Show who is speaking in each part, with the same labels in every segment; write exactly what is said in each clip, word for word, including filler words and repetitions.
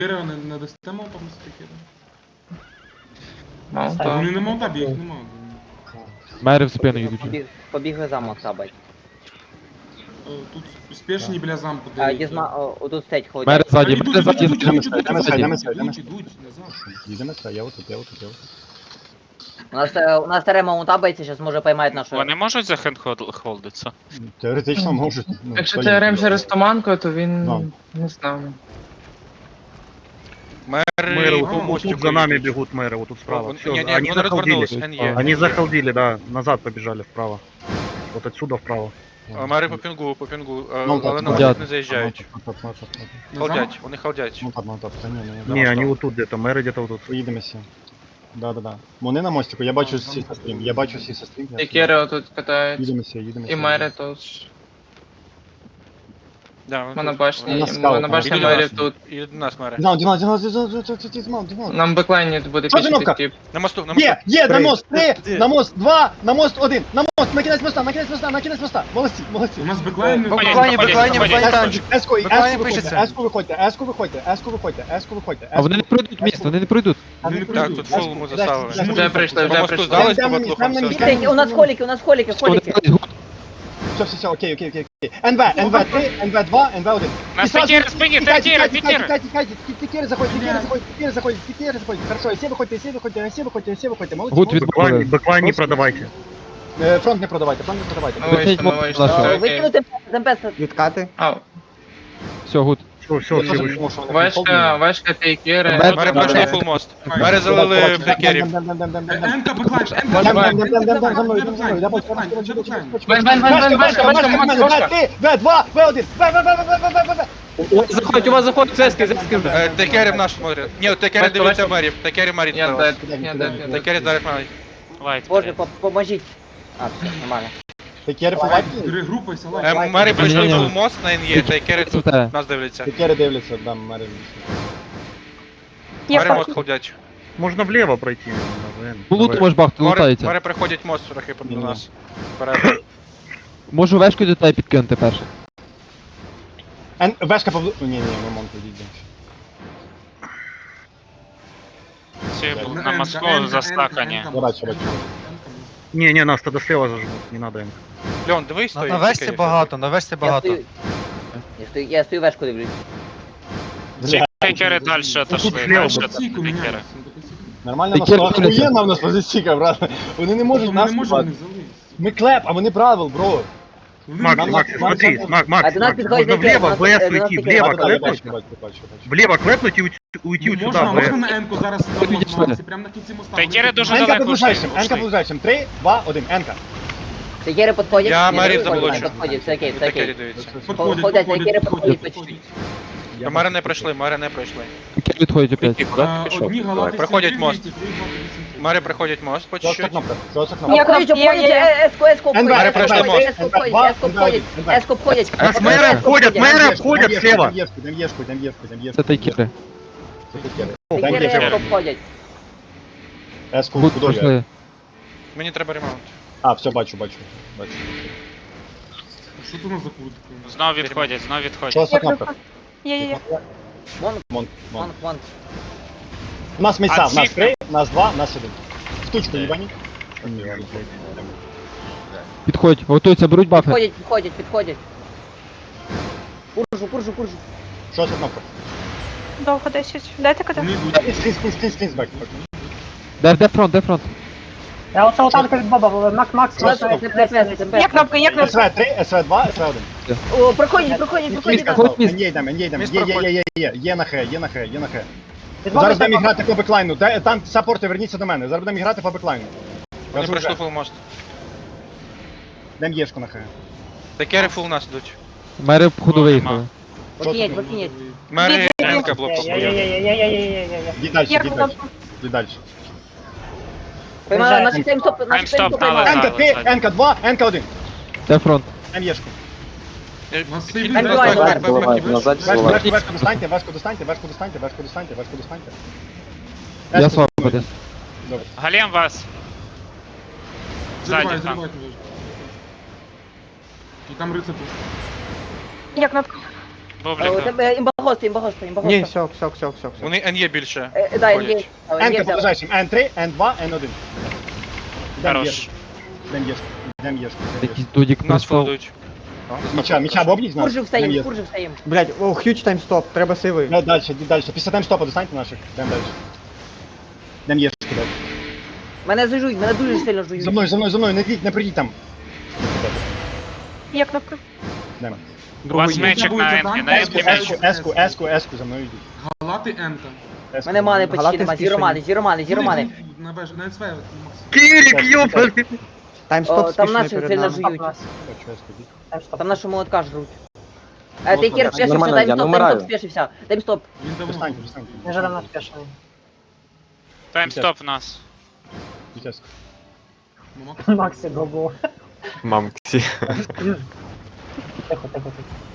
Speaker 1: Кира не, не дасте мовта містити Кира?
Speaker 2: Маунта.
Speaker 1: Вони не мовта біг, не мовта.
Speaker 3: Мери в спину їдуть.
Speaker 4: Побіг, побігли замок сабать.
Speaker 1: Тут спешні біля замку.
Speaker 4: А, дізма, о, отут стеть ходять.
Speaker 3: Мери ззаді,
Speaker 1: Ідуть,
Speaker 3: мери
Speaker 1: ідуть,
Speaker 3: ззаді,
Speaker 1: ідуть,
Speaker 3: ззаді.
Speaker 1: ідуть, ідуть,
Speaker 5: Йдемо сюди, йдемо
Speaker 1: ідуть,
Speaker 5: сюди, йдемо
Speaker 1: ідуть, ідуть, назад.
Speaker 5: Їдемо сюди, я отут, я отут, я отут.
Speaker 4: У нас, е, у нас старе маунта бейці, зараз може поймають нашу...
Speaker 6: Вони можуть за хендхолдитися?
Speaker 5: Теоретично можуть. ну,
Speaker 2: Якщо
Speaker 5: хто
Speaker 2: ти
Speaker 5: їх
Speaker 2: РМ
Speaker 5: знає.
Speaker 2: через туманку, то він
Speaker 5: Ну.
Speaker 2: не знаю.
Speaker 6: Мери
Speaker 7: Мэры
Speaker 1: по
Speaker 7: вот
Speaker 1: мостику
Speaker 7: тут за нами
Speaker 6: йдуть.
Speaker 7: бегут мэры, вот тут справа.
Speaker 6: Вон-
Speaker 7: Всё,
Speaker 6: не, не,
Speaker 7: они
Speaker 6: вони
Speaker 7: захалдили.
Speaker 6: розвернулись, ен є.
Speaker 7: Они захалдили, да, назад побежали вправо. Вот отсюда вправо.
Speaker 6: А, Мери по пінгу, по пінгу, а,
Speaker 5: Ну,
Speaker 6: але
Speaker 5: так,
Speaker 6: на
Speaker 3: так.
Speaker 6: мостик не заїжджають.
Speaker 5: Ну, так, ну, так, ну, так.
Speaker 6: Халдять, вони халдять.
Speaker 5: Ну так, ну так, та ні, ні, ні.
Speaker 7: Не,
Speaker 6: что?
Speaker 7: они вот тут где-то, мэры где-то вот тут.
Speaker 5: Поїдемося. Да, да, да. Вони на мостику, я бачу
Speaker 1: А,
Speaker 5: всі
Speaker 1: там-
Speaker 5: стрім, я бачу всі стрім.
Speaker 2: І Кери отут катають.
Speaker 5: Їдемося, їдемося.
Speaker 2: І мери тут.
Speaker 6: Да, вони тут.
Speaker 2: Монобашні,
Speaker 5: Вона скаут,
Speaker 2: монобашні
Speaker 5: там.
Speaker 2: мері тут.
Speaker 6: І до нас мери.
Speaker 5: Дінал, Дінал, Дінал, Дінал, Дінал, Дінал, Дінал.
Speaker 2: Нам беклайні буде
Speaker 5: Що
Speaker 2: пішити
Speaker 5: кнопка?
Speaker 2: тип.
Speaker 6: На мосту, на мосту.
Speaker 5: Є, є, на
Speaker 7: Три.
Speaker 5: мост, три, на мост, два, на мост, один, на мост, на кінець моста, на кінець моста, на кінець моста. Молодці, молодці.
Speaker 1: У нас беклайн не
Speaker 6: Беклайн,
Speaker 1: виходить.
Speaker 6: беклайн, беклайн, беклайн.
Speaker 5: Еску,
Speaker 6: Буквально
Speaker 5: еску
Speaker 6: пишеться.
Speaker 5: виходьте, еску виходьте, еску виходьте, еску виходьте, еску виходьте.
Speaker 3: А вони не пройдуть міст, вони не пройдуть.
Speaker 1: Вони не
Speaker 6: Так,
Speaker 1: прийдуть.
Speaker 6: тут фул му заставили.
Speaker 2: Вже прийшли,
Speaker 6: По
Speaker 2: вже
Speaker 6: мосту
Speaker 2: прийшли.
Speaker 6: здались,
Speaker 5: Там
Speaker 6: по
Speaker 5: на місці,
Speaker 6: батлухам
Speaker 5: там на
Speaker 6: все.
Speaker 5: місці.
Speaker 4: Бітень, у нас холіки, у нас холіки, холіки.
Speaker 5: Все, все, все, окей, окей, окей. ен ве, ен ве три, ен ве два, ен ве один.
Speaker 6: На Текери, спині, Текери, Текери.
Speaker 5: Текери заходять, Текери заходять, Текери заходять, Текери заходять. Хорошо, всі виходьте, всі виходьте, всі виходьте, всі виходьте. Молодці,
Speaker 3: Гуд
Speaker 5: молодці.
Speaker 7: Бэклайн,
Speaker 3: відбули.
Speaker 7: бэклайн не продавайте.
Speaker 5: Е, Фронт не продавайте, фронт не продавайте.
Speaker 2: Ми вийшли, ми вийшли.
Speaker 3: Наша.
Speaker 2: Окей.
Speaker 4: Викинути темпест.
Speaker 8: Відкати.
Speaker 2: Ау.
Speaker 3: Все, гуд.
Speaker 7: Все, все, все вышли.
Speaker 5: Тому що вони
Speaker 2: Важка,
Speaker 5: фолдові.
Speaker 2: важка ти Кери.
Speaker 3: Мер-
Speaker 6: Мери пройшли фул мост. Мери залили в Текерів.
Speaker 1: Енка беклайн, енка
Speaker 5: Дам,
Speaker 1: беклайн,
Speaker 5: дам, дам, дам, дам, за мною,
Speaker 1: енка
Speaker 5: дам, за мною, я бачу,
Speaker 1: беклайн,
Speaker 5: я бачу,
Speaker 1: енка
Speaker 5: я бачу,
Speaker 1: беклайн.
Speaker 5: я бачу.
Speaker 2: Вань, вань, вань, вань, важка, важка, Макс, важка.
Speaker 5: ве два, ве один, ве, ве, ве, ве, ве, ве, ве, ве.
Speaker 8: Заходь, у вас заходить зв'язки, зв'язки вже.
Speaker 6: Е, Текерів наш смотрять. Ні, Текери
Speaker 2: Бачите,
Speaker 6: дивляться
Speaker 2: бачите?
Speaker 6: мерів. Текері мерів
Speaker 2: Я
Speaker 6: зараз.
Speaker 2: дед, я дед, я дед.
Speaker 6: Текері зараз мерів. Лайт.
Speaker 4: Боже, по- поможіть. А, все, нормально.
Speaker 5: Текери фулаки?
Speaker 1: Перегрупайся,
Speaker 6: Е,
Speaker 1: лайк.
Speaker 6: Мери пройшли
Speaker 3: Ні-ні-ні.
Speaker 6: фул мост на ен є. Текери тут
Speaker 3: Це.
Speaker 6: нас дивляться.
Speaker 5: Текери дивляться, дам, мери.
Speaker 6: Мери мост халдять.
Speaker 7: Можно влево пройти.
Speaker 3: По луту можеш бахти,
Speaker 6: Мери,
Speaker 3: лутається.
Speaker 6: мери приходять мост трохи до
Speaker 5: Ні-ні.
Speaker 6: нас. Вперед.
Speaker 3: Можу вешку до тебе підкинути перше.
Speaker 5: Ен, вешка повли... Ні, ні, ми монку йдемо.
Speaker 6: Всі
Speaker 1: Енка,
Speaker 6: на
Speaker 1: енка,
Speaker 6: Москву
Speaker 1: енка,
Speaker 6: застакані.
Speaker 1: енка,
Speaker 5: Я бачу, бачу.
Speaker 7: Не, не, нас тогда слева зажмут, не надо им.
Speaker 6: Льон, дивись,
Speaker 9: На,
Speaker 6: стой.
Speaker 9: на весті багато, на весті
Speaker 4: Я
Speaker 9: багато.
Speaker 4: стою, я стою, я стою вешку дивлюсь.
Speaker 5: Бля,
Speaker 6: Текери далі отошли.
Speaker 7: слева
Speaker 6: Далі
Speaker 7: буде.
Speaker 6: отошли
Speaker 1: Позиційку
Speaker 6: Текери.
Speaker 1: міняється.
Speaker 5: Нормально,
Speaker 3: Текери
Speaker 5: нас
Speaker 3: дивляться.
Speaker 5: охуєнна в нас позиційка, брат. Вони не можуть
Speaker 1: Вони
Speaker 5: нас
Speaker 1: не можуть
Speaker 5: купати.
Speaker 1: не залізти.
Speaker 5: Ми клеп, а вони правил, бро.
Speaker 1: Вони
Speaker 7: Макс,
Speaker 1: не
Speaker 5: нам-
Speaker 7: Макс,
Speaker 1: можуть.
Speaker 5: нам-
Speaker 7: смотри,
Speaker 5: нам-
Speaker 7: Макс,
Speaker 4: А
Speaker 7: Макс,
Speaker 4: до нас
Speaker 7: Макс,
Speaker 4: підходить
Speaker 7: можно
Speaker 4: Текер,
Speaker 7: влево,
Speaker 4: нас-
Speaker 7: в ВС
Speaker 4: до нас
Speaker 7: уйти,
Speaker 4: Текер.
Speaker 7: влево
Speaker 5: Да, да, я
Speaker 7: клепнуть,
Speaker 5: бачу, бачу, бачу, бачу.
Speaker 7: влево клепнуть и уйти, уйти вот
Speaker 1: Можна,
Speaker 7: сюда.
Speaker 1: можна
Speaker 7: в-
Speaker 1: на енку зараз
Speaker 3: Ой,
Speaker 1: на
Speaker 3: підійшли.
Speaker 1: Максі, прямо на кінці моста.
Speaker 6: Текери
Speaker 1: Вони-
Speaker 6: дуже
Speaker 5: Енка
Speaker 6: далеко
Speaker 5: под ближайшим,
Speaker 6: ушли,
Speaker 5: енка
Speaker 6: ушли.
Speaker 5: под ближайшим. Три, два, один, енка.
Speaker 4: Текери підходять.
Speaker 6: Я
Speaker 4: Ні,
Speaker 6: мерів
Speaker 4: не підходять,
Speaker 6: заболочу.
Speaker 4: підходять, все окей, все
Speaker 6: Текері
Speaker 4: окей.
Speaker 6: дивіться.
Speaker 1: Підходять,
Speaker 4: Ходять,
Speaker 1: підходять,
Speaker 4: Текери
Speaker 1: підходять,
Speaker 4: підходять
Speaker 1: підходять.
Speaker 5: Я
Speaker 6: Мери
Speaker 5: бачу,
Speaker 6: не пройшли, мери не пройшли.
Speaker 3: Таке відходять опять.
Speaker 1: А, Одні галати
Speaker 6: Приходять
Speaker 1: всі
Speaker 6: мост.
Speaker 1: три, двісті, три, двадцять вісім.
Speaker 6: Мери приходять мост по
Speaker 5: Жорстка
Speaker 6: чуть-чуть.
Speaker 5: кнопка, жорстка кнопка.
Speaker 4: Я обходять, обходять, е, еску, еску обходять,
Speaker 5: Енвер,
Speaker 4: еску
Speaker 6: пройшли
Speaker 4: обходять,
Speaker 6: мост.
Speaker 4: еску обходять,
Speaker 5: Енвер,
Speaker 4: еску
Speaker 5: Енвер,
Speaker 4: обходять,
Speaker 5: Енвер.
Speaker 4: еску обходять.
Speaker 7: А с мэра обходят, мэра обходят слева.
Speaker 5: Дам єшку, дам єшку, дам єшку, дам єшку.
Speaker 3: Це тайкери.
Speaker 5: Це Текери. Дам
Speaker 4: Текери
Speaker 5: єшку.
Speaker 4: еску обходять.
Speaker 5: Еску
Speaker 3: Гуд
Speaker 5: худою.
Speaker 3: пройшли.
Speaker 6: Мені треба ремаунт.
Speaker 5: А, все, бачу, бачу. Бачу.
Speaker 1: Що тут у нас за куртка?
Speaker 6: Знов відходять, знов відходять.
Speaker 5: Жорстка кнопка.
Speaker 8: Є-є-є.
Speaker 4: Монк,
Speaker 5: Монк, монк.
Speaker 4: монк, монк.
Speaker 5: У нас місця,
Speaker 6: А
Speaker 5: в нас
Speaker 6: ці-
Speaker 5: три, у нас два, у нас один. Штучку їбані.
Speaker 3: Підходь, готуються, беруть бафи.
Speaker 4: Підходять, підходять, підходять. Куржу, куржу, куржу.
Speaker 5: Що за кнопка?
Speaker 8: Довго десять. Дайте кода.
Speaker 1: Вони йдуть.
Speaker 5: Скрізь, скрізь, скрізь, скрізь, бак.
Speaker 3: Де, де фронт, де фронт?
Speaker 10: Я оце отанка від Боба, Макс, Макс,
Speaker 4: У нас ТПС,
Speaker 8: Є кнопка, є кнопка.
Speaker 5: ес ве три, ес ве два, ес ве один.
Speaker 4: О, проходять, проходять, проходять.
Speaker 3: Міска, хоч міст.
Speaker 5: Є, йдемо, є, йдемо.
Speaker 6: Міст
Speaker 5: Є, є,
Speaker 6: проходить.
Speaker 5: є, є, є, є на хе, є на хе, є на хе.
Speaker 10: Від
Speaker 5: Зараз
Speaker 10: Боба
Speaker 5: будемо грати по беклайну. Де- Там саппорти, верніться до мене. Зараз будемо грати по беклайну.
Speaker 6: Вони
Speaker 5: Кажу
Speaker 6: пройшли
Speaker 5: вже.
Speaker 6: фул мост.
Speaker 5: Дам єшку на хе.
Speaker 6: Текери фул нас йдуть.
Speaker 3: Мери в ходу виїхали.
Speaker 4: Покинять, покинять.
Speaker 6: Мери енка блок побоїв.
Speaker 10: Є-є-є-є-є-є-є-є.
Speaker 5: Йди далі,
Speaker 8: Є
Speaker 5: йди далі.
Speaker 8: кнопка.
Speaker 5: Йди далі.
Speaker 4: Поймали, наші таймстоп, наші
Speaker 6: Таймстоп
Speaker 4: таймстоп
Speaker 6: дали.
Speaker 4: поймали.
Speaker 5: Енка три, енка два, енка один.
Speaker 3: Де фронт?
Speaker 5: Дам єшку.
Speaker 1: У нас сейві
Speaker 4: Енка
Speaker 1: зараз
Speaker 4: два,
Speaker 1: бек,
Speaker 4: Енка
Speaker 1: бек,
Speaker 4: два.
Speaker 1: бек, бек,
Speaker 5: Вешку,
Speaker 1: бек.
Speaker 5: вешку, вешку достаньте, вешку достаньте, вешку достаньте, вешку достаньте, вешку достаньте.
Speaker 3: Я
Speaker 5: Вешку
Speaker 3: свободен.
Speaker 5: Добре.
Speaker 6: Галем вас.
Speaker 1: Заливай,
Speaker 6: Ззаді там.
Speaker 1: заливай туди. І там рицепу.
Speaker 8: Є кнопка.
Speaker 4: Е, У
Speaker 6: Бублік.
Speaker 4: тебе імбагоста, імбагоста,
Speaker 5: Ні,
Speaker 4: імбагоста.
Speaker 5: все, все, все, все, все.
Speaker 6: Вони Н є більше.
Speaker 4: Е, Да,
Speaker 6: ходять.
Speaker 4: є.
Speaker 5: Енка по ближайшим, ен три, ен два, ен один. Йдем
Speaker 6: Хорош.
Speaker 5: єшку, йдем єшку, йдем єшку.
Speaker 3: Якийсь дудік
Speaker 6: Нас
Speaker 3: прийшов.
Speaker 6: фулдують.
Speaker 5: Міча, міча бобніть з нас.
Speaker 4: Куржик
Speaker 5: Йдем
Speaker 4: встаєм,
Speaker 5: єшку.
Speaker 4: куржик встаєм.
Speaker 5: Блять, о, х'юч таймстоп, треба сейви. Далі, далі, далі. Після таймстопа достаньте наших. Йдем далі. Йдем єшку далі.
Speaker 4: Мене зажують, мене дуже сильно жують.
Speaker 5: За мною, за мною, за мною, не йдіть, не прийдіть там.
Speaker 8: Є кнопка.
Speaker 5: Йдемо.
Speaker 6: У вас мечик на М, на
Speaker 5: Еску,
Speaker 6: М меч.
Speaker 5: еску, еску, еску, еску, за мною йдіть.
Speaker 1: Галати енка.
Speaker 5: Еску.
Speaker 4: Мене мани почти нема, зіромани, зіромани, зіромани.
Speaker 1: На беш, на СВ, Макс.
Speaker 5: Кірік, йопарки.
Speaker 4: О,
Speaker 5: Таймстоп
Speaker 4: там
Speaker 5: спішний
Speaker 4: наші
Speaker 5: перед
Speaker 4: сильно
Speaker 5: нами.
Speaker 4: жують.
Speaker 5: Хочу еску, йдіть.
Speaker 4: Там наші молотка жруть. Е, Ти кір спешився,
Speaker 10: Нормально, я
Speaker 4: таймстоп,
Speaker 10: намираю.
Speaker 4: таймстоп спешився. Таймстоп.
Speaker 1: Він давно.
Speaker 5: Достаньте, достаньте.
Speaker 10: Не жадам нас спешно.
Speaker 6: Таймстоп в нас.
Speaker 5: Йдіть еску.
Speaker 1: Ну, Макс.
Speaker 10: Максі, го-го.
Speaker 3: Мамці.
Speaker 10: Тихо, тихо, тихо.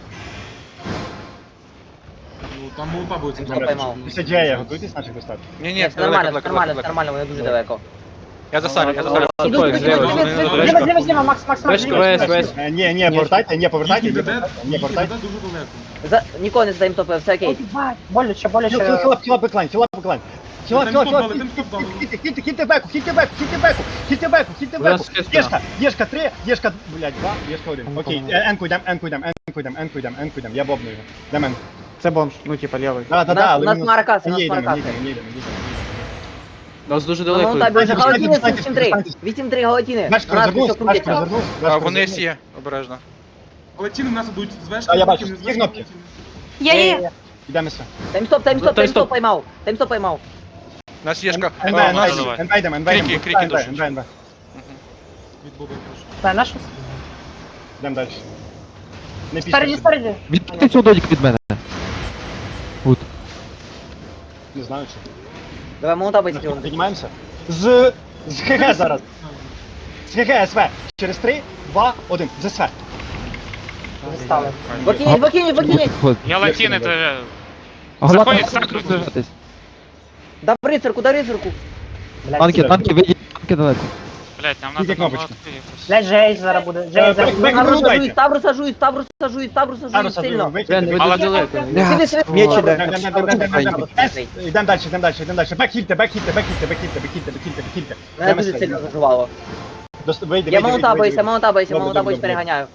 Speaker 1: Ну, там молота буде.
Speaker 4: Він стоп поймав.
Speaker 5: Після Джея готуйтесь наших достати.
Speaker 6: Ні,
Speaker 4: Ні,
Speaker 6: ні,
Speaker 4: все нормально,
Speaker 6: далеко,
Speaker 4: все
Speaker 6: далеко,
Speaker 4: нормально, все
Speaker 6: далеко.
Speaker 4: нормально, вони дуже далеко.
Speaker 6: Я засалю, я засалю.
Speaker 4: Ідуть, ідуть, ідуть, ідуть.
Speaker 10: Зліва, зліва, зліва, Макс, Макс, Макс, зліва.
Speaker 5: Е, Ні, ні, повертайте, ні, повертайте,
Speaker 1: Їхній
Speaker 5: ні,
Speaker 1: ДД,
Speaker 5: повертайте, ні,
Speaker 1: їхній
Speaker 5: повертайте.
Speaker 1: ДД дуже далеко.
Speaker 4: За... Нікого не здаємо топи, все окей.
Speaker 10: Ебать, боляче,
Speaker 5: Хіл,
Speaker 10: боляче.
Speaker 5: хіл, хіл, хіл, беклайн, хіл, беклайн. Хіл,
Speaker 1: Тим
Speaker 5: хіл,
Speaker 1: стоп
Speaker 5: хіл,
Speaker 1: дали, тим стоп дали.
Speaker 5: хіл, хіл, хіл, беку, хіл, беку, хіл, беку, хіл, беку, хіл,
Speaker 3: У
Speaker 5: беку.
Speaker 3: нас шесть
Speaker 5: Єшка, єшка три, єшка, блядь, два, єшка один. Окей, е, енку йдем, енку йдем, енку йдем, енку йдем, енку йдем, я бобну його. Йдем енку.
Speaker 7: Це бомж, ну типа лівий.
Speaker 5: Да, да,
Speaker 4: У
Speaker 5: да,
Speaker 4: нас-
Speaker 5: але
Speaker 4: у нас
Speaker 5: мінус-
Speaker 4: маракаси, у нас
Speaker 5: Ні, йдемо,
Speaker 4: маракаси.
Speaker 5: їдемо, їдемо, їдемо.
Speaker 3: Нас дуже
Speaker 4: Ну, ну, так,
Speaker 5: Давайте,
Speaker 4: галатіни
Speaker 5: давайте,
Speaker 4: вісім три.
Speaker 5: давайте.
Speaker 4: вісім три галатіни.
Speaker 5: Бешка
Speaker 4: У нас
Speaker 5: розвернувся,
Speaker 4: все
Speaker 5: бешка
Speaker 4: крутиться.
Speaker 5: розвернувся,
Speaker 6: А,
Speaker 5: бешка
Speaker 6: вони
Speaker 5: розвернувся.
Speaker 6: є, обережно.
Speaker 1: Але ціни в нас ідуть з вешки.
Speaker 5: А, я бачу,
Speaker 1: потім з
Speaker 5: є
Speaker 1: вешки,
Speaker 5: кнопки?
Speaker 1: потім-
Speaker 8: Є, є, є.
Speaker 5: Йдемо все.
Speaker 4: Таймстоп, таймстоп, таймстоп поймав. Таймстоп поймав.
Speaker 6: У нас єшка.
Speaker 5: НБ,
Speaker 6: А,
Speaker 5: НБ,
Speaker 6: нас
Speaker 5: НБ, НБ, йдемо, НБ,
Speaker 6: Крики,
Speaker 5: йдемо.
Speaker 6: крики
Speaker 5: НБ,
Speaker 6: душать.
Speaker 5: НБ, НБ.
Speaker 1: Від Боба прошу.
Speaker 10: Та, наш?
Speaker 5: Йдемо далі. Не
Speaker 10: Спереді,
Speaker 5: пішли.
Speaker 10: спереді.
Speaker 3: Відпусти цього додік від мене. Гуд.
Speaker 5: Не знаю, що.
Speaker 4: Давай молота бийте його.
Speaker 5: Піднімаємося. З... З ХГ зараз. З ХГ СВ. Через три, два, один. З СВ.
Speaker 10: Застали.
Speaker 4: Викиніть, викиніть, викиніть.
Speaker 6: Я латіни, то...
Speaker 3: Галата,
Speaker 6: Заходять, закрутять.
Speaker 3: розважатись.
Speaker 4: Да рицарку, да рицарку.
Speaker 10: Блядь,
Speaker 3: Танки,
Speaker 5: сюди.
Speaker 3: танки, вийдіть, танки далеко.
Speaker 6: Блять, нам
Speaker 5: Скільки
Speaker 6: надо
Speaker 5: кнопочки?
Speaker 6: наладити якось.
Speaker 10: Блядь, Джейс зараз буде.
Speaker 5: Е,
Speaker 10: Джейс зараз
Speaker 5: бек-
Speaker 10: буде.
Speaker 5: бек-
Speaker 4: Ставру
Speaker 5: дайте.
Speaker 4: сажують, ставру сажують, ставру сажують, ставру сажують сильно.
Speaker 6: Але далеко.
Speaker 4: Сиди, сиди.
Speaker 5: Меч
Speaker 4: Ставру
Speaker 5: іде.
Speaker 4: сажують,
Speaker 5: Йдемо
Speaker 4: ставру сажують.
Speaker 5: далі, йдемо далі, йдемо далі. Бекхільте, бекхільте, бекхільте, бекхільте, бекхільте, бекхільте, бекхільте.
Speaker 4: Мене дуже сильно зажувало.
Speaker 5: Вийде, вийде,
Speaker 4: Я
Speaker 5: вийде,
Speaker 4: молота
Speaker 5: вийде,
Speaker 4: боюся,
Speaker 5: вийде.
Speaker 4: молота боюся,
Speaker 5: Добре,
Speaker 4: молота
Speaker 5: добре,
Speaker 4: боюсь,
Speaker 5: добре.
Speaker 4: переганяю.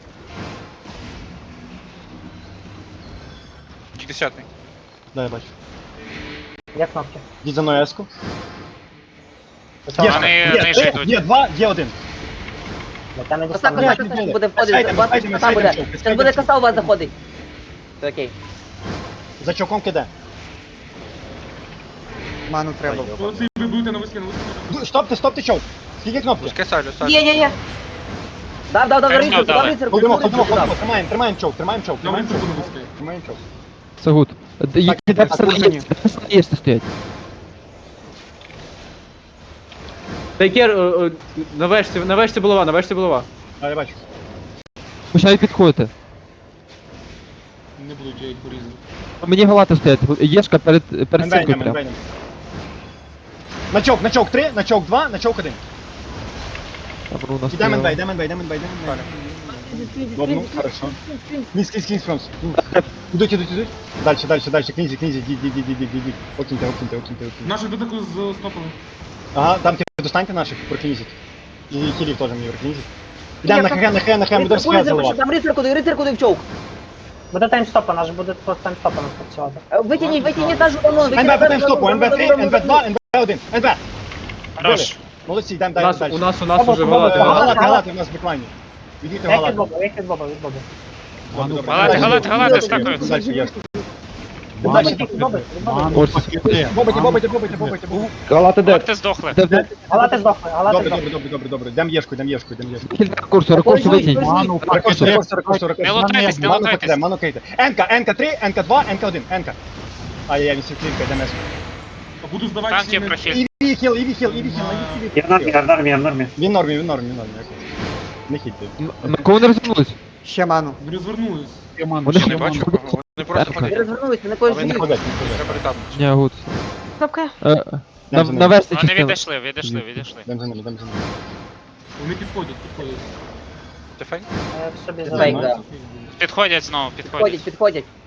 Speaker 6: Десятий.
Speaker 5: Да, я бачу.
Speaker 10: Є кнопки.
Speaker 5: Йдіть за мною еску.
Speaker 10: Високо.
Speaker 6: Вони
Speaker 5: Є
Speaker 6: нижче
Speaker 5: три,
Speaker 6: йдуть.
Speaker 5: є два, є один.
Speaker 10: Блядь, я не
Speaker 4: Коса,
Speaker 10: дістану.
Speaker 4: коса, коса, буде входити, у вас
Speaker 5: Сайдемо,
Speaker 4: коса буде.
Speaker 5: сайдемо,
Speaker 4: Зараз буде коса у вас заходить. Все окей.
Speaker 5: За чоком киде.
Speaker 7: Ману треба.
Speaker 1: Оці ви будете на вискі, на вискі.
Speaker 5: Ну, Стопте, стопте чок. Скільки кнопки?
Speaker 6: Пускай салю, салю.
Speaker 8: Є, є, є.
Speaker 4: Дав, дав, дав,
Speaker 6: Теж
Speaker 4: рицарку,
Speaker 6: дали.
Speaker 4: дав рицарку,
Speaker 5: Ходимо,
Speaker 4: дав
Speaker 5: ходимо,
Speaker 4: рицарку,
Speaker 5: ходимо.
Speaker 4: дав.
Speaker 5: Тримаємо, тримаємо чок, тримаємо чок,
Speaker 1: На
Speaker 5: тримаємо чок.
Speaker 1: високу на вискі.
Speaker 5: Тримаємо чок.
Speaker 3: Все гуд. Їх
Speaker 5: Так,
Speaker 3: де
Speaker 5: так,
Speaker 3: пацани є,
Speaker 5: так.
Speaker 3: де пацани є, що стоять.
Speaker 2: Тайкер, на вешці, на вешці булава, на вешці булава.
Speaker 5: А, я бачу.
Speaker 3: Починають підходити.
Speaker 1: Не буду я їх порізати.
Speaker 3: Мені галати стоять. Єшка перед, перед
Speaker 5: НБ
Speaker 3: цинкою
Speaker 5: йдемо,
Speaker 3: прям.
Speaker 5: НБ йдемо. На чок, на чок три, на чок два, на чок один.
Speaker 3: Там у нас
Speaker 5: Йдемо НБ,
Speaker 3: стояло.
Speaker 5: йдемо НБ, йдемо НБ, йдемо НБ. Добно, хорошо. Книзь, книзь, книзь, Фронс. Ідуть, ідуть, ідуть. Дальше, дальше, дальше, книзі, книзі, йдіть, йдіть, йдіть, йдіть, йдіть. Окіньте, окіньте, окіньте, окіньте.
Speaker 1: Нашу дотику з стопами.
Speaker 5: Ага, там ти достаньте наших, прокнизіть. І хілів теж мені прокнизіть. Йдемо на хе, на хе, на хе, ми
Speaker 4: Рицарку,
Speaker 5: досі
Speaker 4: рицарку,
Speaker 5: заливати.
Speaker 4: там рицарку, дай рицарку, дай в чоук.
Speaker 10: Буде таймстопа, наш буде просто таймстопа нас працювати.
Speaker 4: Е, Витягніть, витягніть нашу давно,
Speaker 5: НБ по таймстопу, НБ три, НБ два, НБ один, НБ.
Speaker 6: Хорош.
Speaker 5: Молодці, йдемо
Speaker 2: У
Speaker 5: далі,
Speaker 2: нас,
Speaker 5: далі.
Speaker 2: у нас, у нас
Speaker 10: Баба,
Speaker 2: уже
Speaker 10: баба,
Speaker 2: галати.
Speaker 10: баба.
Speaker 5: Галати, галати у нас в беклайні. Відійте
Speaker 10: Як від
Speaker 5: галати.
Speaker 10: Боба, як від Боба, від Боба.
Speaker 5: Добре, добре.
Speaker 6: Галати,
Speaker 5: Далі,
Speaker 6: галати, галати,
Speaker 5: далі,
Speaker 6: стакаються.
Speaker 5: Далі, ясно.
Speaker 10: Бобить, бобить, бобить, бобить.
Speaker 3: Ось.
Speaker 5: Бобайте, бобайте, бобайте, бобайте, бобайте.
Speaker 3: Галати де?
Speaker 6: Галати здохли.
Speaker 3: Де, де?
Speaker 10: Галати здохли, галати
Speaker 5: Добре,
Speaker 10: здохли.
Speaker 5: добре, добре, добре, добре. Дам єшку, дам єшку, дам єшку.
Speaker 3: Кілька рекурсу, рекурсу витягніть.
Speaker 5: Рекорд, рекорд, рекорд, рекорд.
Speaker 6: Не лутайтесь, не
Speaker 5: Ману
Speaker 6: лутайтесь.
Speaker 5: покидай, ману кейте. Енка, Енка три, Енка два, Енка один, Енка. Ай-яй, вісім клінка, йдемо еску.
Speaker 1: Буду здавати
Speaker 6: Танки
Speaker 1: всіми.
Speaker 6: прохід.
Speaker 5: Іві хіл, іві хіл, іві хіл, іві хіл.
Speaker 10: Я в нормі, я в нормі, я в нормі.
Speaker 5: Він в нормі, він в нормі, він в нормі. окей. Не хітьте.
Speaker 3: На кого не розвернулись?
Speaker 7: Ще ману.
Speaker 1: Ви розвернулись.
Speaker 3: Вони
Speaker 6: Я не бачу кого. Вони просто
Speaker 4: Ви
Speaker 6: ходять.
Speaker 4: розвернулись, мене когось
Speaker 5: Але не
Speaker 4: жують.
Speaker 5: ходять, не ходять.
Speaker 6: Треба літати.
Speaker 3: Ні, гуд.
Speaker 8: Кнопка.
Speaker 3: Е, е, На,
Speaker 5: за
Speaker 3: на
Speaker 5: ними.
Speaker 3: версі
Speaker 6: Вони
Speaker 3: частина.
Speaker 6: відійшли, відійшли, відійшли.
Speaker 5: Йдемо за ними, йдемо за ними.
Speaker 1: Вони підходять, підходять.
Speaker 6: Ти фейк?
Speaker 10: Я в собі
Speaker 4: Фейк,
Speaker 10: займаю.
Speaker 4: да.
Speaker 6: Підходять знову,
Speaker 4: Підходять,
Speaker 6: підходять.
Speaker 4: підходять.